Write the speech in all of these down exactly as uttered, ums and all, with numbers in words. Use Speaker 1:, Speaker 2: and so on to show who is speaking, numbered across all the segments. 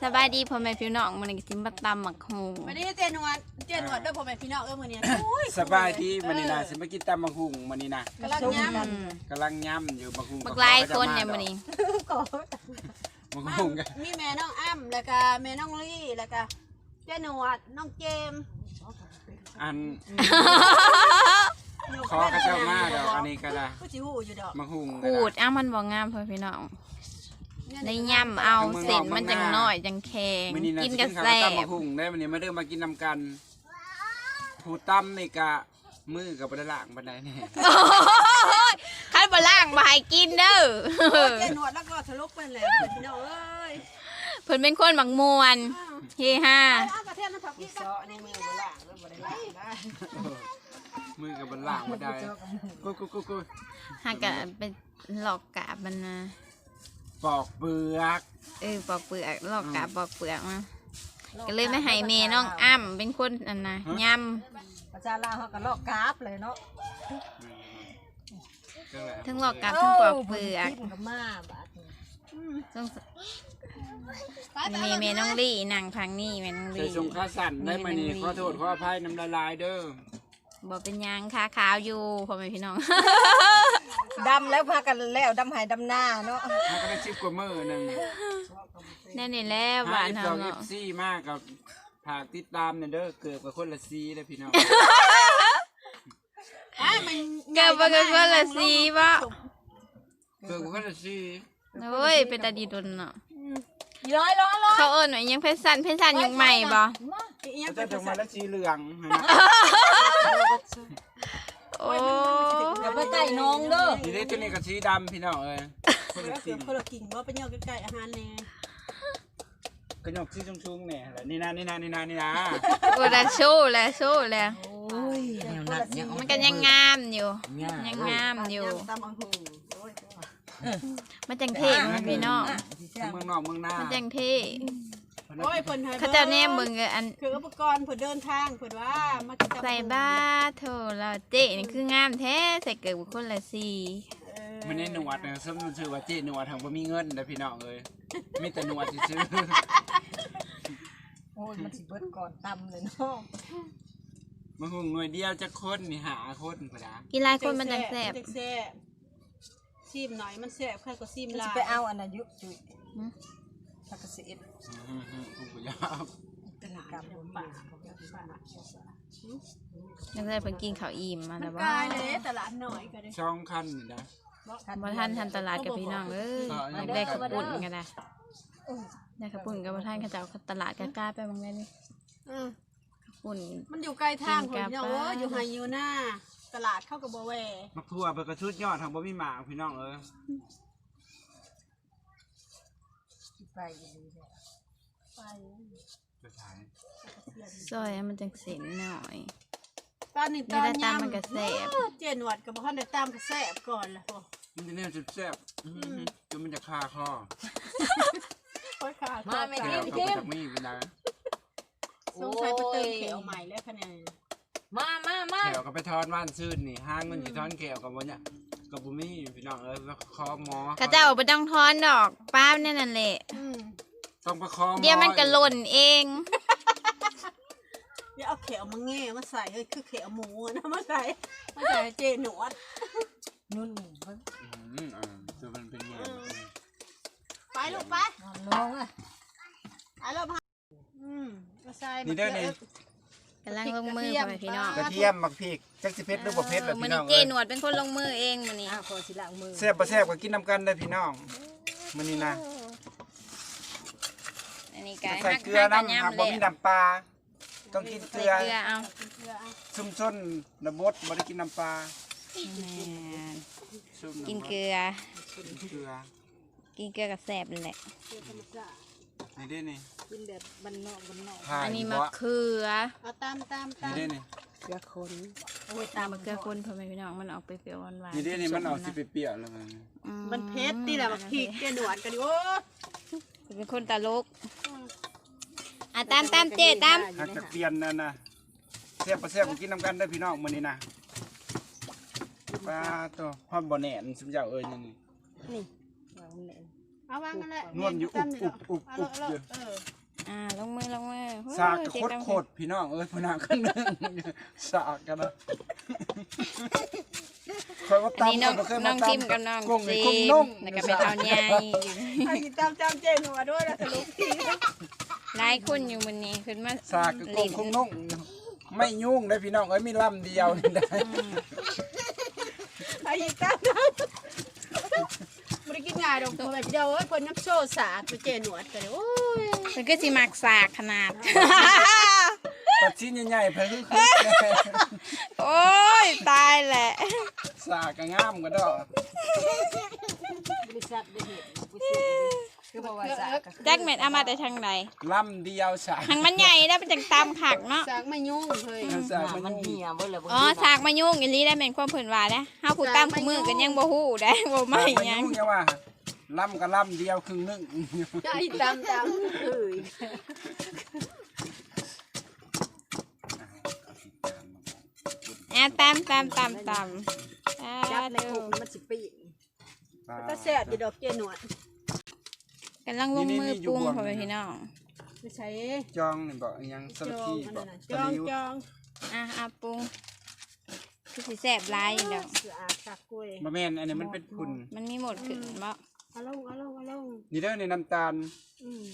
Speaker 1: สบายดีพ่อแม่พี่น้องมื้อนี้สิมาตำหมักฮูง
Speaker 2: วันนี้เจนวดเจนวดด้วยพ่อแม่พี่น้องเออมื้อนี้
Speaker 3: สบายดีมื้อนี้นะสิมากินตำบักหุ่งมื้อนี้นะ
Speaker 2: กำลังย่
Speaker 1: อืม
Speaker 3: กำลังย่ำอยู่บักหุ่ง
Speaker 1: บักหลายคนเนี่ยมื้อนี้
Speaker 3: บักหุ่งกัน
Speaker 2: ำมีแม่น้องอ้ำแล้วก็แม่น้องลี่แล้วก็เจนวดน้องเจม
Speaker 3: อันขอกระเจ้ามาดอกอันนี้ก็ได้
Speaker 2: ผู้จิ๋วอยู่ดอก
Speaker 3: บักหุ่ง
Speaker 1: ขูดอ้ามันบ่งามพ่อพี่น้องในย่ำเอาเส้นมันจังน้อยจังแข็ง
Speaker 3: มื้อนี้นะ
Speaker 1: กิน
Speaker 3: สิ
Speaker 1: กับ
Speaker 3: ข้าว
Speaker 1: แซ่
Speaker 3: ตำบั
Speaker 1: บ
Speaker 3: กหุ่งได้มื้อนี้มาเด้อมากินนำกันผู้ตำนี่กะมือกับบ่ได้ล้างปานใดแน่
Speaker 1: คันบ่ล้างบ่ให้กินเด้อ
Speaker 2: เจนวดแล้วก็ทะลุไปแล้วพี่น้องเอ้ย
Speaker 1: เพิ่นเป็นคนมักม่วนเฮฮา
Speaker 2: อ้าวกระเทียมน้ำผักพี่ก็ในมือบ่ล่างแล้วบ่ได้ล่างได้
Speaker 3: มือกับบ่ล้างบ่ได้กูกูกูกู
Speaker 1: หากะไปหลอกกาบมันนะ
Speaker 3: ปอกเปลือก
Speaker 1: เออปอกเปลือกหลอกกาบปอกเปลือกมาก็เลยไม่ให้แม่น้องอ้ำเป็นคนอันน่ะย่ำ
Speaker 4: ประชาลาวเขาก็ลอกกราฟเลยเนาะ
Speaker 3: จังได๋
Speaker 1: ทั้งหลอกกาบทั้งปอกเปลือก
Speaker 4: กินกับมาบาดนี้
Speaker 1: ต้องมีเมน้องลี่นางพังนี่เมน้อง
Speaker 3: ใส่
Speaker 1: ลี่
Speaker 3: ทรงขาสั่นได้มื้อนี้ขอโทษขออภัยน้ำละลายเด้อ
Speaker 1: บอกเป็นหยังขาขาวอยู่พ่อแม่พี่น้อง
Speaker 4: ดำแล้วพากันแล้วดำหายดำหน้าเนาะ
Speaker 3: ถ้าก็ได้สิบกว่ามื้อหนึง
Speaker 1: แน่นี่แล้วบ้าน
Speaker 3: เอ
Speaker 1: เฮา
Speaker 3: ฟ
Speaker 1: เนาะ
Speaker 3: ซีมากกับผากติดตามเนี่ยเด้อเกิดกับคนละซีเลยพี่น้อง
Speaker 2: อ้ายมัน
Speaker 1: เกิดบ่เกิดว่าละสีบ่
Speaker 3: เกิดกับคนละซี
Speaker 1: โอ้ยเป็นตาดีดนเนาะ
Speaker 4: ร้อยร้อยร้อย
Speaker 1: เขาเอิ้นว่าอิหยังเพชรสันเพชรสันยุคใหม่บ่
Speaker 2: อีหยัง
Speaker 3: เขา
Speaker 2: เป็
Speaker 3: จะ
Speaker 2: น
Speaker 3: จงมาละซีเหลืองเห็นไหม
Speaker 1: โอ้
Speaker 4: อย่าไปใกล้น้องเด้อ
Speaker 3: ทีนี้ตัวนี้กับสีดำพี่น้องเอ้ยคน
Speaker 2: เกื
Speaker 3: ละ
Speaker 2: อบ
Speaker 3: สี
Speaker 2: คนละกิ่งว่าเป็นยอดใกล้ๆอาหารแน่
Speaker 3: กระหนกสีชุ่มๆเนี่ยแหละนี่นะนี่นะนี่นะนี่นะ
Speaker 1: โอ้ละโชว์ละโชว์ละ
Speaker 4: โอ้ย
Speaker 1: มันก็ยังงามอยู่ยังงามอยู่
Speaker 2: ตำบักหุ่งโอ้ย
Speaker 1: มันจังเท่พ่อแม่พี่น้อง
Speaker 3: เมืองนอกเมืองหน้า
Speaker 1: มันจังเท่
Speaker 2: โอ้ยเพิ่นให้
Speaker 1: เขาเจ้าแนมเบิ่งอัน
Speaker 2: คืออุปกรณ์เพิ่นเดินทางเพิ่นว่ามากินตำบักหุ่ง
Speaker 1: ใส่บ้าโถเราเจ๊นี่คืองามแท้ใส่เกิดบุคคลละสี
Speaker 3: มันในหนวดเนี่ยสมมติชื่อว่าเจ๊หนวดทางบ่มีเงินนะพี่น้องเอ้ยมีแต่หนวดซื้อ
Speaker 4: โอ้ยมันสิเบิดก่อนตำเลยเนาะ
Speaker 3: มันคงหน่วยเดียวจะคนนี่หาคนพอดา
Speaker 1: กินหลายคนมันจังแซ่บ
Speaker 2: แซ่บซีมหน่อยมันแซ่บใครก็ซีม
Speaker 4: มัน
Speaker 2: ลา
Speaker 4: สิ
Speaker 2: ย
Speaker 4: ไปเอาอันน่ะยุจุยถ้าก็สิเอ็ด
Speaker 3: อืมๆคงบ่ยาก
Speaker 4: ตลาดกับป่า
Speaker 1: จังได้เพิ่นกินข้าวอิ่มมา
Speaker 2: มั
Speaker 1: แล้ว
Speaker 2: น
Speaker 1: บ่
Speaker 2: กลายเลยตลาดหน่อยก็ได้
Speaker 3: ช่องคันนี่นะ
Speaker 1: บ่ทันทันตลาดกับพี่น้องเอ้ยอยากได้ข้าวปุ้นกันนะได้ข้าวปุ้นกับบ่ทันเขาเจ้าตลาดกล้าๆไปบางแม่นี่
Speaker 2: อืม
Speaker 1: ข้าวปุ้น
Speaker 2: มันอยู่ไกลทาง
Speaker 1: กิ
Speaker 2: คน น
Speaker 1: กับ
Speaker 2: เนาะ
Speaker 1: ปลา
Speaker 2: เว้ยอยู่ไฮยูหน้าตลาดเข้ากับบ่แว
Speaker 3: มักทั่วเพิ่นก็ชุดยอดทางบ่มีหมากพี่น้องเอ้ย
Speaker 4: ไปอีหลีเด้อ
Speaker 2: ไป
Speaker 3: จะขาย
Speaker 1: ซอยให้มันจังเส้นหน่อย
Speaker 2: ตอนนี้ต
Speaker 1: นี่
Speaker 2: อน
Speaker 1: ได้ตาม
Speaker 2: ยำ
Speaker 1: มันก็แซ่บ
Speaker 2: เจนวดกับบ่ทันได้ตามก็แซ่บก่อนล่ะโอ้
Speaker 3: มันจะแนวแซ่บๆอื้อหือจนมันจะคาคอ
Speaker 2: ค่อยขาด
Speaker 4: มาไม่
Speaker 3: แก้
Speaker 4: กิ
Speaker 3: วน เขา
Speaker 4: กิ
Speaker 3: ไป
Speaker 4: น
Speaker 3: จากมีเวลา
Speaker 2: สงสัยไปเติมเขียวใหม่แล้วคะแนน
Speaker 4: มามามา
Speaker 3: แก้วก็ไปทอนว่านซื่นนี่ห้างมันอยู่ทอนแก้วกับวันเนี้ยกับบุมี่พี่น้องเอ้ยแล้วคอหมอ
Speaker 1: เขาเจ้าบ่ต้องทอนดอกป้าแน่นั่นแหละ
Speaker 2: อืม
Speaker 3: ต้องประคอหมอ
Speaker 1: เดี๋ยวมันก็หล่นเอง
Speaker 2: เดี๋ยวเอาเขียวมาแง่มาใส่เฮ้ยคือเขียวหมูนะมาใส่มาใส่เจนวด
Speaker 4: นุ่นเพิ่น
Speaker 3: อืมอ่าตัวมันเป็นไง
Speaker 2: ไปลูกไป
Speaker 4: นอนลงอ่ะ
Speaker 2: ไปลูกมาอืมมาใส่
Speaker 3: นี่เด้อนี่
Speaker 1: กำลังลงมือพ่อแม่พี่น้อง
Speaker 3: กระเทียมมักพริกจักสิเผ็ดหรือบ่เผ็ดล่ะ
Speaker 1: มื้อ
Speaker 3: พี่น้
Speaker 1: นี้
Speaker 3: อง
Speaker 1: เจ
Speaker 3: เอ้ย
Speaker 1: หนวดเป็นคนลงมือเองมื้อนี้
Speaker 4: อ้าวขอสิล้างมือ
Speaker 3: แซ่บบ่แซ่บก็กินน้ำกันเด้อพี่น้องมื้อนี้นะ
Speaker 1: อันนี้ก็
Speaker 3: ใส่เกลือน้ำหากบ่มีน้ำปลาต้องกินเก
Speaker 1: ใส่
Speaker 3: ลือ
Speaker 1: เกลือเอา
Speaker 3: ซุ่มส้นระบดบ่ได้กินน้ำปลา
Speaker 1: แม่น
Speaker 3: ซุ่ม
Speaker 1: กินเกลือ
Speaker 3: กินเกลือ
Speaker 1: กินเกลือกับแซ่บนั่นแหละ
Speaker 3: นี่เด้อนี่
Speaker 4: กินแบบบ้านนอกบ้านนอก
Speaker 3: ถ่าย
Speaker 1: อันนี้
Speaker 3: บ่
Speaker 1: มะเขือ
Speaker 2: เอาตามตามตา
Speaker 3: นี่
Speaker 2: ม
Speaker 3: เด้อนี่
Speaker 4: เกลือคน
Speaker 1: โอ้ยตามมะเขือคนพ่อแม่พี่น้องมันออกไปเปรี้ยวหวานๆ
Speaker 3: นี่เด้อนี่มันออกสิเปรี้ยวๆแล้วมัน
Speaker 1: อื
Speaker 2: มันเผ็ดนี่แหละบักพริกเจนวดกันดิโอ้
Speaker 1: เป็นคนตลกอ่ะตามตามเจ๊ตาม
Speaker 3: หากจะเปลี่ยนนั่นน่ะแซ่บบ่แซ่บก็กินน้ำกันเด้อพี่น้องมื้อนี้นะปลาตัวฮอดบ่แหน่นซุมเจ้าเอ้ยนี่นี่
Speaker 4: นี่วางแน่น
Speaker 2: เอาวางกันแหละ
Speaker 3: นวลอยู่อุบอุบอุบอุบ
Speaker 2: เอา
Speaker 3: อยู่
Speaker 2: เออ
Speaker 1: อ่าลงมือลงมือ
Speaker 3: สากกระโคตรๆพี่น้องเอ้ยพนักข้างนึงสากกันนะคอยว่า
Speaker 1: อันนี้
Speaker 3: ตำ
Speaker 1: น้อง
Speaker 3: บ่เคย
Speaker 1: น้
Speaker 3: มา
Speaker 1: อง
Speaker 3: ตำ
Speaker 1: ทิมกับน้อง
Speaker 3: กุ้ง
Speaker 1: จี
Speaker 3: กุ้ง
Speaker 1: ม
Speaker 3: นุ่ง
Speaker 1: แล้วก็ไปเท่าใหญ่
Speaker 2: ไอ้จำจำเจหนัวด้วยนะสรุปที
Speaker 1: หลายคนอยู่มื้อนี้ขึ้นมา
Speaker 3: สากกระกุ้งกุ้งนุ่งไม่ยุ่งเลยพี่น้องเอ้ยมีลำเดียวนี่ได้
Speaker 2: ไอ้จำจำไม่ได้กินง่ายดอกตัวแบบเดียวเอ้ยคนน้ำโซ่สาดตัวเจหนวดกันเลยโอ้ย
Speaker 1: มันก็สิมักสากขนาด
Speaker 3: ปัดชิ้นใหญ่ๆเพิ่นคือ
Speaker 1: โอ้ยตายแหละ
Speaker 3: สากกระงามก็ดอก
Speaker 4: บริษัทได้เห็นกูเสียคือบอกว่าสาก
Speaker 1: แจ็คเม็ดเอามาแต่ทางใด
Speaker 3: ลำเดียวสาก
Speaker 1: ทางมันใหญ่แล้วเป็นจังตามขักเนาะ
Speaker 2: สากไม่ยุ่งเลย
Speaker 3: สาก
Speaker 4: มั
Speaker 3: มัน น
Speaker 4: เหี่ยเบิ่เลย
Speaker 1: อ๋อสากมายุ่งอีหลีได้เป็นความเพิ่นว่าเด้เฮาผู้ตามผู้มือกันยังบ่ฮู้ได้บ่ไม่
Speaker 3: ไม่
Speaker 1: หยัง
Speaker 3: ยุ่งอย่าว่าลำก็ลำเดียวครึ่งนึง
Speaker 2: ไอ้จำจำเอ้ย
Speaker 1: อ่ะตามตามตามตามอ่า
Speaker 4: จับใน
Speaker 1: ดู
Speaker 4: อกมันสิปีน
Speaker 2: ก็แซ่บอยู่ดอกเจหนวด
Speaker 1: กำลังลงมือปรุงพ่อแม่พี่น้อง
Speaker 2: ไม่ใช่
Speaker 3: จองนี่บอกอิหยังส
Speaker 2: จ
Speaker 3: ลัด
Speaker 2: อง
Speaker 3: ที่
Speaker 2: อัน
Speaker 3: บอ
Speaker 2: นั้
Speaker 3: ก
Speaker 2: นจองจอง
Speaker 1: อ่ะเอาปรุงคือสิแซ่บหลายอยู่ดอก
Speaker 2: เสืออาสักกล้วย
Speaker 3: บะแม่นอันนี้มันเป็นพุ่น
Speaker 1: มันมีหมดขึ้นบ่
Speaker 2: เอาลงเอาลงเอาลง
Speaker 3: นี่เด้อในน้ำตาล
Speaker 2: อืม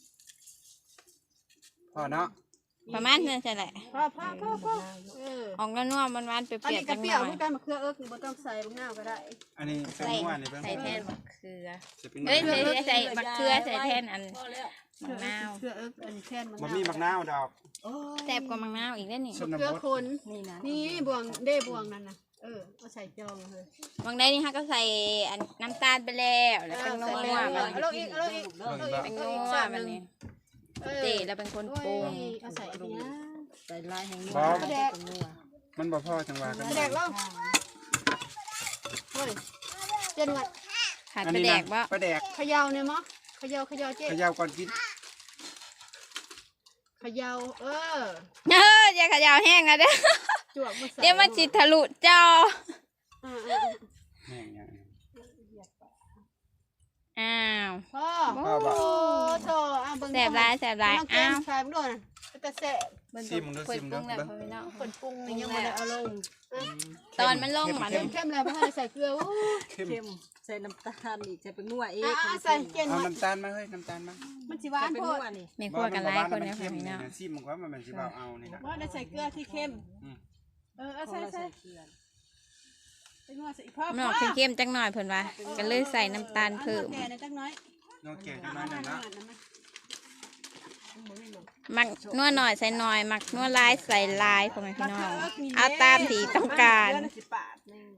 Speaker 3: พอเนาะ
Speaker 1: ประมาณนั้นใช่แหละ
Speaker 2: พ่อพ่อพ่อพ่อเออ
Speaker 1: ออกแล้วนัวมันหวานๆเป
Speaker 2: อัน
Speaker 1: รี้ยว
Speaker 2: นี้
Speaker 1: ๆ
Speaker 2: ก
Speaker 1: จั
Speaker 2: ระ
Speaker 1: งห
Speaker 2: เปรี้ยว
Speaker 1: น่อย
Speaker 2: คือการมะเขือเอิกนี่บ่ต้องใส่บางหน้าก็ได้
Speaker 3: อันนี้เป็น
Speaker 1: ใส่
Speaker 3: ม้วนนี่เพิ่ง
Speaker 1: ใส่แทนมะเขือ
Speaker 3: จะเป็น
Speaker 1: เอ้ยใส่ใส่มะเขือใส่แทนอันมะนาว
Speaker 2: เขือเอิกอันนี้แค่น
Speaker 3: บะหมี่มักนาวดอก
Speaker 1: แซ่บกว่ามะนาวอีกได้อนี่
Speaker 3: ชน
Speaker 2: เขือบ
Speaker 3: ท
Speaker 2: คน
Speaker 4: นี่นะ
Speaker 2: นี่บวงเด้บวงนั่นน่ะเออเอาใส่จองเลย
Speaker 1: บางได้นี่ฮะก็ใส่อันน้ำตาลไปแล้วแล้วเป็นนัว
Speaker 2: เอา
Speaker 1: มัน
Speaker 2: ลงอีกเอาลงอีกเอาลงอีก
Speaker 1: เป็น
Speaker 2: เอา
Speaker 1: นั
Speaker 2: อีก
Speaker 1: ว
Speaker 2: สาม
Speaker 1: มัน
Speaker 2: หนึ่
Speaker 1: นี่
Speaker 2: งเออ
Speaker 1: เจแล้วเป็นคนปรุง
Speaker 2: เอาใส่อันนี้
Speaker 4: ใส่ลายแห่งนี้
Speaker 3: มันบ่พอจังหวะกัน
Speaker 2: แดกลงเฮ้ยเจนวัด
Speaker 1: ขาด
Speaker 3: อัน
Speaker 1: ไป
Speaker 3: นี้
Speaker 1: แด
Speaker 3: นะ
Speaker 1: กบ่
Speaker 3: ปลาแดก
Speaker 2: เขย่าเนี่ยมั้งเขย่าเขย่าเจ๊
Speaker 3: เขย่าก่อนกิน
Speaker 2: เขย่าเออ
Speaker 1: เอออย่าขยาวแห้งนะเด้อ
Speaker 2: จวกมาใส่
Speaker 1: เดี๋ยวมันจิทะลุจอ
Speaker 2: อ่า
Speaker 3: แม่งอย่าง
Speaker 1: อ้าว
Speaker 2: ๆพ่อ
Speaker 3: พ่อบอก
Speaker 2: โอ้โธ่อ่ะเบิ่ง
Speaker 1: แสบร้ายแสบร้าย
Speaker 2: น้องแก้
Speaker 1: อ้าม ว
Speaker 2: ชายมึงด้วยนะแต่แสบ
Speaker 1: เบิ่ง
Speaker 3: ซิมดู
Speaker 1: เปิ
Speaker 3: ซิ
Speaker 1: ด
Speaker 3: ม
Speaker 1: ปรุ
Speaker 3: ดู
Speaker 1: งแล้ว
Speaker 3: เบิ่ง
Speaker 1: พ่อพี่น้อง
Speaker 2: คนปรุงนี่ยังไม่ได้เอาลง
Speaker 1: ตอนมันลงมา
Speaker 2: เข้
Speaker 1: เด้อ
Speaker 2: มเข้มเลยเพราะให้ใส่เกลือโอ้
Speaker 3: เข้ม
Speaker 4: เข้มใส่น้ำตาลอีกใส่เป็นนัวเอง
Speaker 2: อ่ะใส่เจน
Speaker 3: เอา
Speaker 2: วัด
Speaker 3: น้ำตาลมาเฮ้ยน้ำตาลมา
Speaker 2: มันสิหวา
Speaker 4: ใส่
Speaker 2: น
Speaker 4: เป็น
Speaker 2: โพ
Speaker 4: นั
Speaker 2: ด
Speaker 4: วนี่
Speaker 1: ไม่คั่วกันหลายคน
Speaker 3: มั
Speaker 1: นะพ่อ
Speaker 3: เข้ม
Speaker 1: พี่
Speaker 3: นี่
Speaker 1: น้อง
Speaker 3: นะซิมมันก็ว่ามันสิบ่เอานี่นะ
Speaker 2: ว่าได้ใส่เกลือที่เข้ม
Speaker 3: อืม
Speaker 2: เออเอาใส่ใส่
Speaker 4: เกลือ
Speaker 2: ใส่นวดใส่อีกพ่อ
Speaker 1: มันออกเข้มๆจังหน่อยเพิ่นว่าก็เลยใส่น้ำตาลเพิ่ม
Speaker 2: แก่ในจักน้อย
Speaker 3: น้องแก่จังนั้นน่ะนะ
Speaker 1: มักนัวหน่อยใส่หน่อย มักนัวหลายใส่หลายพ่อแม่พี่น้องเอาตามที่ต้องการ
Speaker 2: สิบบาทนึง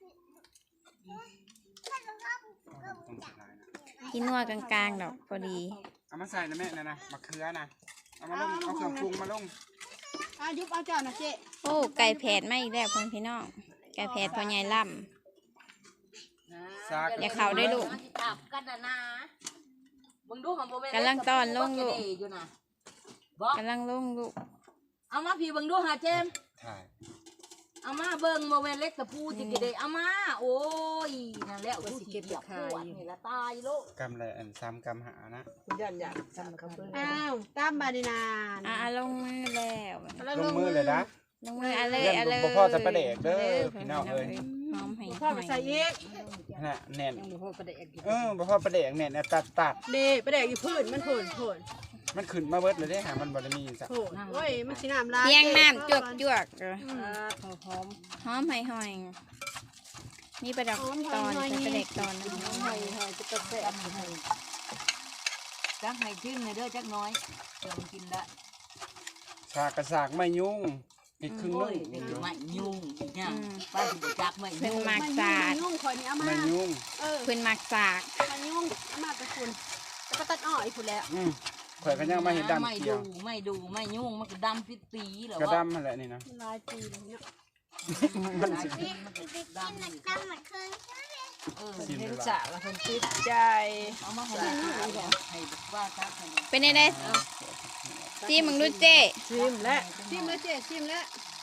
Speaker 3: ต้องใส่ลายนะ
Speaker 1: ที่นัวกลางๆดอกพอดี
Speaker 3: เอามาใส่นะแม่นะนะมะเขือนะเอามาลงเอาเครื่องปรุงมาลง
Speaker 2: อายุบเอาเจ้านะเจ๊
Speaker 1: โอ้ไก่แผดมาอีกแล้วพ่อแม่พี่น้องไก่แผดพ่อใหญ่ล่ำ
Speaker 3: ซาก
Speaker 1: อย่าเข้าได้ลูก
Speaker 4: จับกันนะนะมึงดูของโบเม
Speaker 1: กำลังตอนลงลูก
Speaker 4: อยู่นะบอก
Speaker 1: กำลังลงลูก
Speaker 4: เอามาพี่เบิ่งดูหาเจม
Speaker 3: ถ่าย
Speaker 4: เอามาเบิ่งโมเมนเล็กตะปูจิกเดเอามาโอ้ยนั่นแหละกูสิเก็บขายนี่ละตายโลก
Speaker 3: กำไรอันซ้ำกำหานะ
Speaker 4: ยันยันซ้ำกับเบิ่ง
Speaker 2: อ้าวตามบาดีนาน
Speaker 1: อ่ะลงมือแล้ว
Speaker 3: ลงมือเลยนะ
Speaker 1: ลงมืออะเลยอะเลย
Speaker 3: บ่พ่อจะประเดกเด้อพี่น้องเอ้ย
Speaker 1: หอมให้
Speaker 2: พ่อไปใส่อีก
Speaker 3: น่ะแน่น
Speaker 4: ยังบ่พอประเดกอยู่
Speaker 3: เออบ่พ่อประเดกแน่นนะตัดตัด
Speaker 2: เดไปแดกอยู่พื้นมันโผล่โผล่
Speaker 3: มันขึ้นมาเบิดเลยเด้หามันบ่ได้มีสัก
Speaker 2: โผล่โอ้ยมันสีน้ำลาย
Speaker 1: เพียงน้ำจวกจวก
Speaker 4: อ่าหอมหอม
Speaker 1: หอมให้หอยมีประดับตอนใส่ประเด็กตอนนะ
Speaker 4: ให้ให้จะกระแทกให้จักให้ขึ้นให้เด้อจักน้อยเดี๋ยวมันกินได้
Speaker 3: สากกระสากไม่ยุ่งอีกครึ่งนึ
Speaker 4: โอ้
Speaker 3: ง
Speaker 4: ยเป็นไม่ยุ่งอีกอย่างป้าสิบ่จักไม่
Speaker 1: เพิ่น
Speaker 4: ยุ่ง
Speaker 1: มัก
Speaker 2: มัน
Speaker 1: สา
Speaker 2: ยุ่ง
Speaker 1: ด
Speaker 2: มันยุ่งคอยนี้เอามา
Speaker 3: ไม่ยุ่ง
Speaker 2: เออ
Speaker 1: เพิ่นมักสาก
Speaker 2: มันยุ่งเอามาไปคุณแล้วก็ตัดอ้อยคุณแล้ว
Speaker 3: อืมข่อยก็ยังมาเห็นดำ
Speaker 4: ไม่
Speaker 3: เขียว
Speaker 4: ดูไม่ดูไม่ยุ่งมันก็ดำปิดปีเหรอก
Speaker 3: ระ
Speaker 4: วะ
Speaker 3: ดำนั่นแหละนี่นะ
Speaker 2: ลายปีเลยเนี่ย
Speaker 3: มันสิ
Speaker 4: มันก็ดำอยู่เออ
Speaker 3: สิ
Speaker 4: เห็น
Speaker 3: เวลา
Speaker 4: สะแล้วคนติดใจเอามาให้ดูให้ว่าซักให้ดู
Speaker 1: เป็นได้ซีมึงดูเจ้
Speaker 2: ชิมแล้วชิมแล้วเจ๊ชิมแล้ว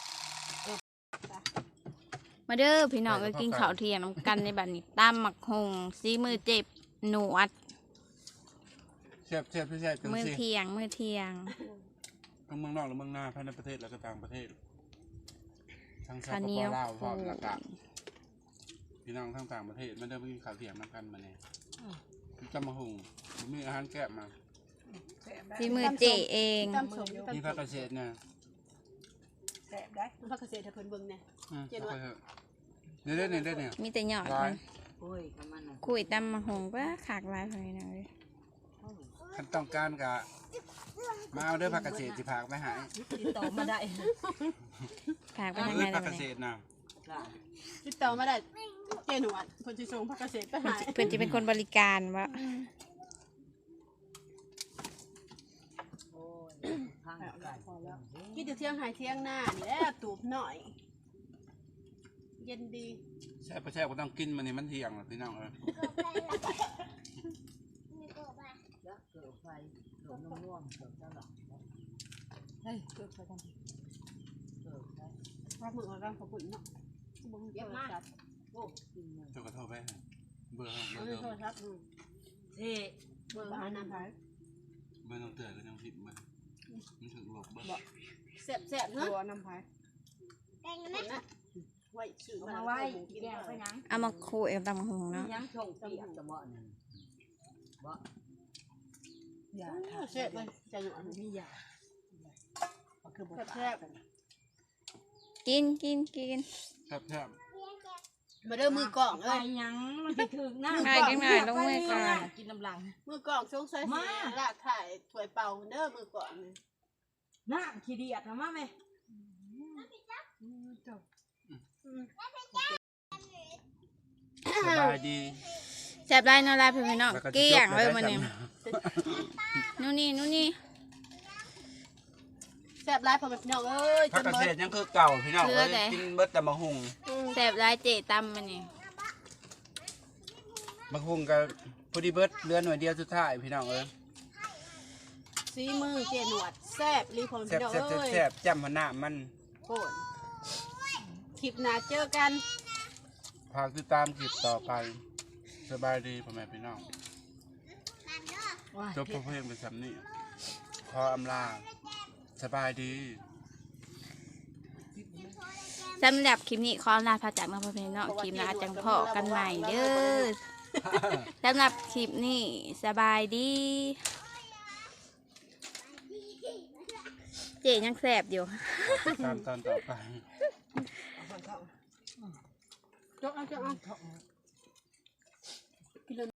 Speaker 1: มาเด้อพี่น้องเอ้ยกินข้าวเที่ยงน้ำกันในบัดนี้ตามหมักหงซีมือเจ็บหนวด
Speaker 3: ซ่บแซ่บแซ่บจัง
Speaker 1: มือ
Speaker 3: สิ
Speaker 1: เที่ยงมือเที่ยง
Speaker 3: ทั้งเมืองนอกและเมืองหน้าภายในประเทศและก็ต่างประเทศทั้งสป
Speaker 1: ข้าว
Speaker 3: ป
Speaker 1: เหนียว
Speaker 3: ลาวพร้อม
Speaker 1: ปู
Speaker 3: แล้วก็พี่น้องทั้งต่างประเทศมันได้ไปกินข้าวเที่ยงนำกันมาเนี่ยจำมาหุงมีอาหารแก้มา
Speaker 1: ที่มือเจเอง
Speaker 2: ตำสม
Speaker 3: มี
Speaker 2: ตำ
Speaker 3: ผักกระเฉดเนี่ย
Speaker 4: แซ่บได้
Speaker 2: ผักเกษตรให้เพิ่นเบิ่งแน่
Speaker 3: อืมเอาไปเถอะเนี่ยได้เนี่ยได้เนี่ย
Speaker 1: มีแต่หยอด
Speaker 3: ร้า
Speaker 1: มั
Speaker 3: ย
Speaker 1: น
Speaker 4: โอ้ยกับมันน่ะ
Speaker 1: คุยตำมะฮงก็ขากหลายคนนะเลย
Speaker 3: ขั้นต้องการกะมาเอาเด้อผักกระเฉดสิผักไปหาย
Speaker 4: ติดต่อมาได้
Speaker 1: ขากไปทาง
Speaker 3: พื
Speaker 1: ไหน
Speaker 3: ช
Speaker 1: แล้
Speaker 3: ผั
Speaker 1: ว
Speaker 3: กกระเฉ
Speaker 1: เนี่ย
Speaker 3: ดนะ
Speaker 4: จ้ะ
Speaker 2: ติดต่อมาได้เจหนวดเพิ่นสิส่งผักเกษตรไปให้
Speaker 1: เพื่อนจะเป็นคนบริการวะ
Speaker 4: โอ้ยทางไก่
Speaker 2: กินอยู่เที่ยงหายเที่ยงหน้านี่แหละตูบหน่อย เย็นดี
Speaker 3: แซ่บไปแซ่บก็ต้องกินมันนี่มันเที่ยงหรอกพี่น้องเออ
Speaker 4: ยักษ์เกิดไฟเกิดน้ำน่วมเกิดเจ้าหลังเฮ้ยเกิดไฟทำไมเกิดไฟ
Speaker 2: ว่ามือเราขอบคุณเนาะบ่มีโทรศัพท์
Speaker 4: โอ้กินเลย
Speaker 3: เจ้าก็โทรไปให้เบอร์เบอ
Speaker 2: บ่
Speaker 3: ร์
Speaker 2: มี
Speaker 3: เดิ
Speaker 2: โทร
Speaker 3: ม
Speaker 2: ศัพท์อืม
Speaker 4: เท่
Speaker 2: เบอร์หาน้ำไผ
Speaker 3: เบอร์น้องเตือนก็ยังผิดมันมันถึงหลบเบอร์
Speaker 2: แซ่บๆเนาะตัวน้ำไผแกงนะไว้ซื้อ
Speaker 4: เอา
Speaker 2: มา
Speaker 4: มา
Speaker 2: ไว้
Speaker 4: ไว้
Speaker 2: กิน
Speaker 4: แก้วไปยัง
Speaker 1: เอามาคุยกับตำมะฮงเนาะ
Speaker 4: ยังชงเปียกจะเหมาะนั่นบ่อย่าทา
Speaker 2: แซ่บเลยใจหนวด
Speaker 4: มียาคือบ่
Speaker 2: แซ่บ
Speaker 1: กินกินกิน
Speaker 3: แซ่บแซ่บ
Speaker 2: ๆมาเด้อมือกล่อง
Speaker 4: ไป
Speaker 2: เอ้ย
Speaker 4: ยังมันสิถึงนะ
Speaker 1: ง่ายกินง่ายลงมือก่อน
Speaker 4: กินน้ำลัง
Speaker 2: มือกล่องสงสัยสิลากถ่ายถ้วยเป่าเด้อมือกล่องนี่
Speaker 4: น้ำขี้เดียดนะมาแม่
Speaker 3: สบายดี
Speaker 1: แซ่บได้เนอลายเพื่อนๆเนาะ
Speaker 3: แล้วจะ
Speaker 1: เกลี้ยง
Speaker 3: จบ
Speaker 1: เลย
Speaker 3: ได้
Speaker 1: มันนี่
Speaker 3: จำ
Speaker 1: นู่นนี่นู่นนี่
Speaker 2: แซ่บหลายพ่อแม่พี่น้องเอ้ย
Speaker 3: ผักกระเฉดยังคือเก่าพี่น้องเอ้ยกินเบิดแต่มะฮุง
Speaker 1: แซ่บได้เจตำมันนี่
Speaker 3: มะฮุงกับพอดีเบิดเหลือหน่วยเดียวสุดท้ายพี่น้องเอ้ย
Speaker 2: สีมือเจหนวดแซ่บรีพ่อแม่
Speaker 3: แซ่บ
Speaker 2: พี่น้อง
Speaker 3: แซ่บ
Speaker 2: เอ้ย
Speaker 3: แซ่บจ้ำหัวหน้ามัน
Speaker 2: โคตรคลิปหน้าเจอกัน
Speaker 3: พากติดตามคลิปต่อไปสบายดีพ่อแม่พี่น้องจบเพลงเป็นสำนี่ขออำลาสบายดี
Speaker 1: สำหรับคลิปนี้ขอลาพระจากมาพอเพนเนาะคลิปหน้าจังพอกันใหม่เด้อสำหรับคลิปนี้สบายดี เจยังแซ่บอยู่
Speaker 3: ตามตอนต่อไป
Speaker 2: จกเอาจกเอา